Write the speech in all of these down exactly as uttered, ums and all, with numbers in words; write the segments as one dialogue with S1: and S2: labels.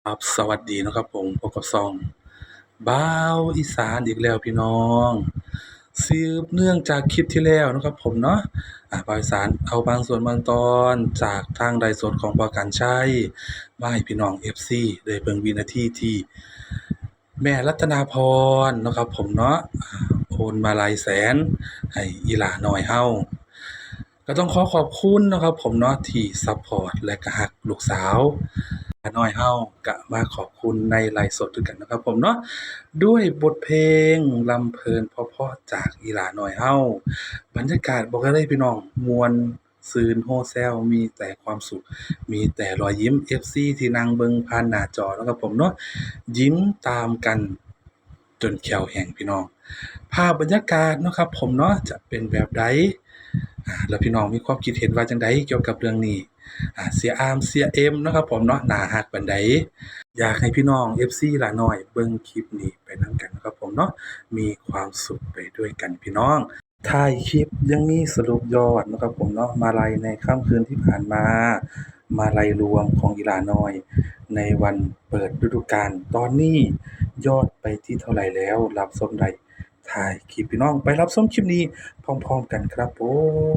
S1: ครับสวัสดีนะครับผมพบกับช่องบ่าวอีสานอีกแล้วพี่น้องสืบเนื่องจากคลิปที่แล้วนะครับผมเนาะอ่าบ่าวอีสานเอาบางส่วนบางตอนจากทางไลฟ์สดของบ่าวกรรชัยมาให้พี่น้อง เอฟ ซี ได้เบิ่งวินาทีที่แม่รัตนาพรเนาะครับผมเนาะอ่าโอนมาลัยแสนให้อีหลาน้อยเฮาก็ต้องขอขอบคุณเนาะครับผมเนาะที่ซัปพอร์ตและก็รักลูกสาว น้อยเฮาก็มาขอบคุณในไลฟ์สดด้วยกันนะครับผมเนาะด้วยบทเพลงลำเพลินเพราะๆจากอีหลาน้อยเฮาบรรยากาศบอกเลยพี่น้องม่วนซื่นโฮแซลมีแต่ความสุขมีแต่รอยยิ้ม เอฟ ซี ที่นั่งเบิ่งผ่านหน้าจอเนาะครับผมเนาะยิ้มตามกันจนแขวแห้งพี่น้องภาพบรรยากาศเนาะครับผมเนาะจะเป็นแบบใดอ่าแล้วพี่น้องมีความคิดเห็นว่าจั่งใดเกี่ยวกับเรื่องนี้ อ่าเสียอามเสียเอ็มเนาะครับผมเนาะน่ารักปานใดอยากให้พี่น้อง เอฟ ซี หลาน้อยเบิ่งคลิปนี้ไปนำกันนะครับผมเนาะมีความสุขไปด้วยกันพี่น้องท้ายคลิปยังมีสรุปยอดเนาะครับผมเนาะมาลัยในค่ำคืนที่ผ่านมามาลัยรวมของอีหลาน้อยในวันเปิดฤดูกาลตอนนี้ยอดไปที่เท่าไรแล้วรับชมได้ท้ายคลิปพี่น้องไปรับชมคลิปนี้พร้อมๆกันครับผม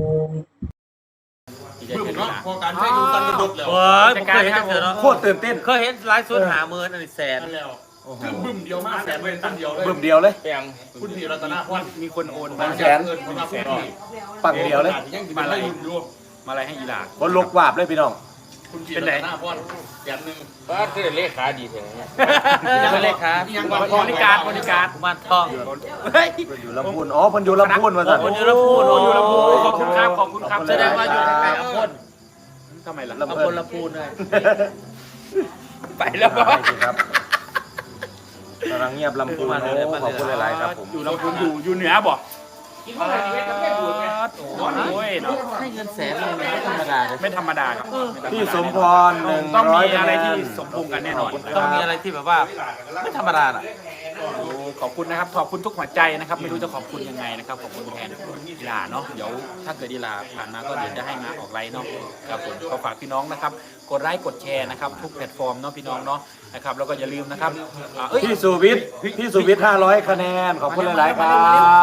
S2: บึ้มเนาะพอการใช้ดูตันระบบแล้ว
S3: โอ้ยผมเคยเห็นจังเสือเนาะ
S4: โคตรตื่นเต้น
S3: เคยเห็นไลฟ์สดหาเมินอันนี้แสน
S2: นั่นแล้วคือบึ้มเดียวมากแสนเป็นตันเดียวเลย
S4: บึ้มเดียวเลย
S3: แปลง
S2: คุณพี่รัตนาพร
S3: มีคนโอน
S2: บา
S3: มาง
S2: แสนเงินคนมาแสน
S4: ปังเดียวเลย
S2: ยังกินอะไรอยู่
S3: มาอะไรให้อีหลา
S4: บนลกวาบเลยพี่น้อง
S2: คุณพี่รัตนาพรแสนหนึ่ง
S5: ป้าคือเลขาดีแท้
S3: เป็นเลขา
S2: ยัง
S3: บริการบริการกุมารทองเฮ้ย
S4: อยู่ลำพูนอ๋อเพิ่นอยู่ลำพูนว่าซั่น
S3: คนอยู่ลำพูน
S4: โอ้
S3: อยู่ลำพูนขอบคุณครับขอบคุณครับแสดงว่าอยู่ใกล้ๆอำพลทำไมล่ะอำพลลำพูนเลยไปแล้ว
S4: ครับกำลังเงียบลำพูนโอ้ขอบคุณหลายๆครับผม
S3: อยู่ลำพูนอยู่อยู่เหนือบ่กินข้าวอะไรนี่ก็แค่ดูดไงโอ้ยเนาะให้เงินแสนเลยไม่ธรรมดาเลยไม่ธรรมดาครับ
S4: พี่สมพรหนึ่ง
S3: ต้อง
S4: ร้อย
S3: มีอะไรที่สมพงษ์กันแน่นอนต้องมีอะไรที่แบบว่าไม่ธรรมดาอ่ะขอบคุณนะครับขอบคุณทุกหัวใจนะครับไม่รู้จะขอบคุณยังไงนะครับขอบคุณแทนอีลาเนาะเดี๋ยวถ้าเกิดอีลาผ่านมาก็เดี๋ยวจะให้มาออกไลน์เนาะครับผมขอฝากพี่น้องนะครับกดไลค์กดแชร์นะครับทุกแพลตฟอร์มเนาะพี่น้องเนาะนะครับแล้วก็อย่าลืมนะครับเอ้ย
S4: พี่สุวิทย์พี่สุวิทย์ห้าร้อยคะแนนขอบคุณหลายๆครับ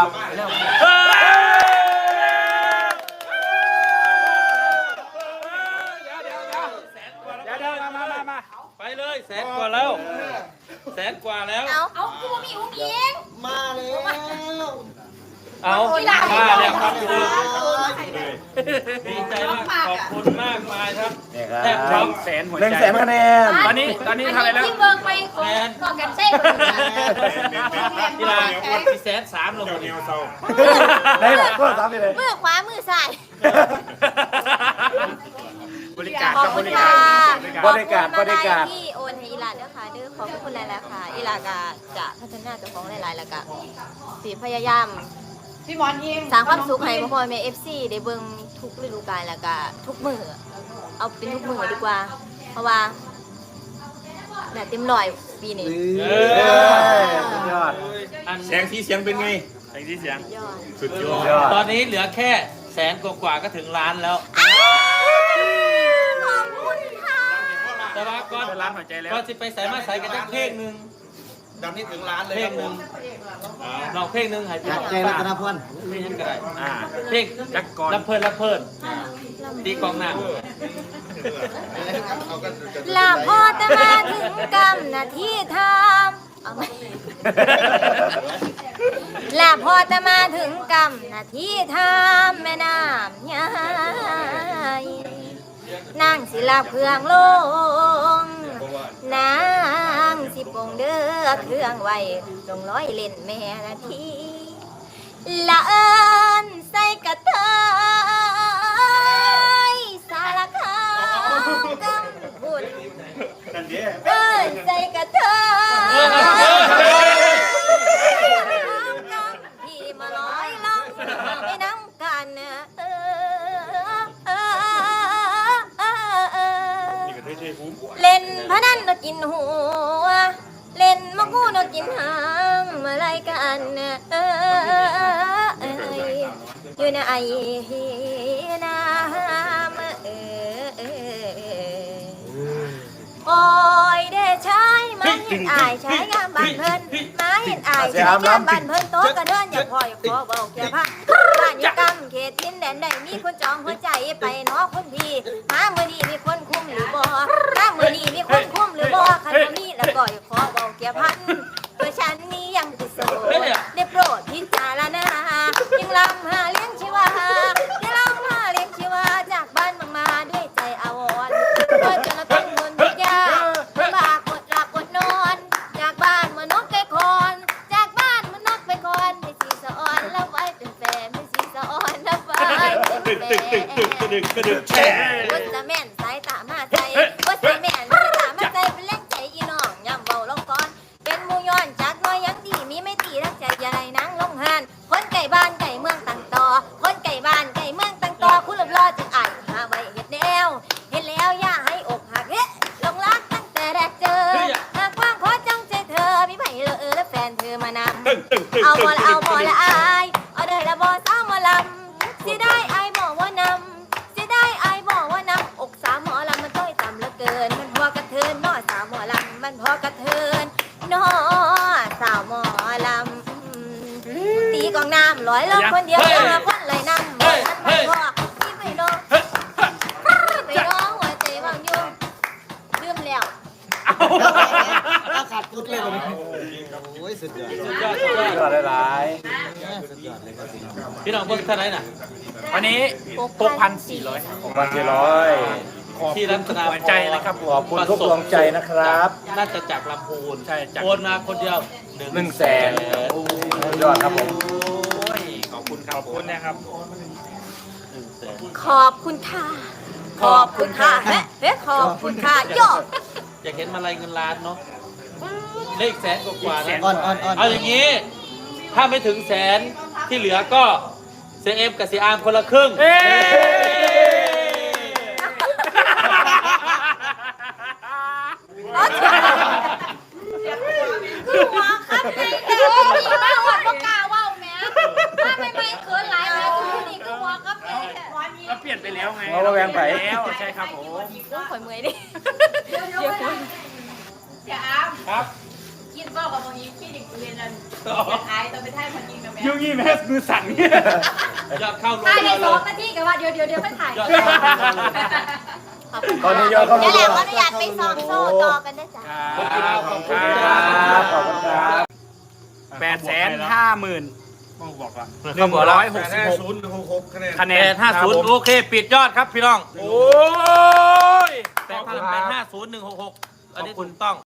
S3: ไปเลยแสนกว่าแล้วแสนกว่าแล้ว
S6: เอาเอากูมีอุ้งอิง
S2: มาแล้ว
S3: เอา
S6: กีฬา
S3: มาแล้วครับ
S6: เออ
S3: ดีใจมากขอบคุณมากมายครับ
S4: นี่ครับ
S3: แทบพร้อมแสนหัวใจ
S4: หนึ่งแสนคะแนน
S3: ตอนนี้ตอนนี้เท่าไหร่แล้ว
S6: ที่เบิกไปของของกันเต้น
S3: กีฬาที่แสนสามลง
S4: ได้แหละก็สามไปเลย
S6: มือขวามือซ้าย
S3: บริการ
S6: ขอ
S3: กั
S6: บบ คุ
S3: บ
S6: ณ
S3: ริ
S6: ค่ะ
S3: การ
S4: บริการบริการ
S6: ที่โอนให้อีหลาด้วยค่ะเด้อขอบคุณหลายๆค่ะอีหลากาจะพัฒนาเจ้าของหลายๆแล้วก็สิพยายาม
S7: พี่หมอนยิง
S6: สร้างความสุขให้พ่อพ่อแม่ เอฟ ซี ได้เบิ่งทุกฤดูกาลแล้วก็ทุกมื้อเอาเป็นทุกมื้อดีกว่า เพราะว่าน่ะเต็มร้อยปีนี้
S4: เออสุดยอด
S2: แสงสีเสียงเป็นไง
S3: แสงที่เสียง
S6: ยอด
S2: สุดยอ
S4: สุ
S2: ด
S4: ดยอด
S3: ตอนนี้เหลือแค่แสนกว่าๆก็ถึงล้านแล้ว
S6: ขอบคุณค่ะ
S3: แต่ว่าก็ล้านหัวใจแล้วก็จะไปใส่มาใส่กันจักเพลงหนึ่ง
S2: ดังนี้ถึงล้านเลย
S3: เพล
S2: ครั
S3: ง
S2: บ
S3: ห
S2: ผ
S3: นึ่ง
S2: ม
S3: เราเพลงหนึ่งให้พี่น้อง
S4: ใจรัตนพร
S3: เพลงนั้นก็ได้อ่าเพลงจักกรรับเพลินรับเพลินตีกองหน้า
S6: ลาพอจะมาถึงกำนาที่ทำเอาไหมลาพอจะมาถึงกำนาที่ทำแม่น้ำยายนางสิลาเครื่องลงนางสิปงเด้อเครื่องไว้ลงร้อยเล่นแม่นาทีละเอิญใส่กระเทยสารคามกำบุญเอิญใส่กระเทยพี่มาลอยล่องไปน้ำกันเออเล่นพนันนกินหัวเล่นมะกูนกินหางมาไล่กันเอออยู่ในไอ้น้ำเออโอ้ยเดชะเห็นอายใช้งามบ้านเพิ่นมาเห็นอายใช้งามบ้านเพิ่นโต๊ะกระเดินอย่าพ่ออย่าขอเบาแค่พักบ้านอยู่กำเขตดินแดนใดมีคนจองหัวใจไปเนาะคนพี่มาเมื่อนี้มีคนคุ้มหรือบ่มาเมื่อนี้มีคนคุ้มหรือบ่คันบ่มีแล้วก็อย่าขอเบาแค่พันเพื่อฉันนี้ยังติดโสดได้โปรดพิจารณายังลำหาเลี้ยงชีวายังลำหาเลี้ยงชีวาจากบ้านบางมาด้วยใจอาวรณ์โดยจนเป็นคนทุกข์ยากลำบากอดหลับอดนอนจากบ้านมานกไก่คอนจากบ้านมานกไปคอนไปสีสะออนแล้วไว้เป็นแฟนไปสีสะออนแล้วไว้เป็นแฟนวัดตะแม่นสายตามาใจวัดตะแม่นสายตามาใจเป็นแรงใจอีน้องย่ำเบาลงก่อนเป็นมูย้อนจากน้อยยังดีมีไม่ตีรักใจอย่าไรนั่งลงหันคนไก่บ้านไก่เมืองต่างต่อคนไก่บ้านไก่เมืองต่างต่อคุณหลับรอจึงอ่านหาไว้เห็ดแนวเห็นแล้วอย่าให้อกหักเฮ้ลงรักตั้งแต่แรกเจอหากว่างขอจ้องใจเธอมีไผ่เลอและแฟนเธอมานำเอาบ่ละเอาบ่ละอายเอาเด้อละบ่สาวหมอลำสิได้อายบอกว่านำสิได้อายบอกว่านำอกสาวหมอลำมันต้อยต่ำเหลือเกินมันพอกระเทินน้อสาวหมอลำมันพอกระเทินน้อสาวหมอลำตีกองน้ำลอยลงคนเดียวเดียวละคนเลยน้ำบ่ทันมันพอที่ไปน้องไปน้องหัวใจวางอยู่ลืมแล้ว
S2: ขาดกุดเลยวันนี้โอ้ยสุดยอดสุดยอด
S4: สุดยอดหลาย
S2: พี่น้องเบิ่งเท่าไหร่น่ะ
S3: วันนี้หกพันสี่ร้อย
S4: ๆของพันสี่ร้อย
S2: ที่รัตนา
S3: หัวใจนะครับ
S4: ขอบคุณทุกดวงใจนะครับ
S2: น่าจะจากลำพูน
S3: ใช่จาก
S2: โอนมาคนเดียว
S4: หนึ่งแสนสุดยอดครับผม
S3: โอ้ยขอบคุณครับขอบคุณนะครับ
S2: หนึ่งแสน
S6: ขอบคุณค่ะ ขอบคุณค่ะเฮ้เฮ้ขอบคุณค่ะโยก
S2: อยากเห็นมาลัยเงินล้านเนาะเลขแสนกว่าๆ
S3: แส
S2: นะ
S3: นอ่อนอ่อนอ่อน
S2: เอาอย่างนี้ ถ้าไม่ถึงแสนที่เหลือก็เซเอฟกับซีอาร์มคนละครึ่ง
S3: เอ้
S6: คือหัวครับในเด็กที่มาหัวปากกาว่าวแม่ถ้าไม่ไม่เขินหลายแม่คือนี่คือหัวครับในเด็ก
S3: ก็เปลี่ยนไปแล้วไง
S4: เราระแวงไป
S3: แล้วใช่ครับผม
S6: ต้องข่อยเมื่อยดิ
S5: เดี๋ยวคุณอย่าอ้าม
S2: ครับ
S5: คิดบอกกับตรงนี้พี่เด็กเรียนนั่นอยากอายตอนไปท่ายพันยิงกับแม่
S3: ยุ่งยี่แม่มือสั่นเนี่ย
S2: ยอดเข้ารวม
S6: ถ่ายใน
S2: เล
S6: สอง
S2: ย
S6: นาทีกับว่าเดี๋ยวเดี๋ยวเดี๋ยวไม่ถ่าย
S2: ยอดเข้ารวมเลย
S4: ตอนนี้ยอดเข้า
S6: เดี๋ยวแห
S4: รั
S6: ละ
S4: ว
S6: ขออนุญาตไปสองโซ่ต่อกันได้จ้ะ
S3: ครับขอบคุณ
S4: ค
S3: ค
S4: รั
S3: รั
S4: บบ ขอบคุณครับ
S3: แปดแสนห้าหมื่นบอกก่อนห
S2: เขา
S3: นึ่ง
S2: บอกแล้ว
S3: ร้อยหกสิบหกคะแน
S2: แป
S3: น
S2: ดห้าศูนย์โอเค ปิดยอดครับพี่น้อง
S3: โอ้ย
S2: แปดพันแปดห้าศูนย์หนึ่งหกหกอันนี้ถูกต้อง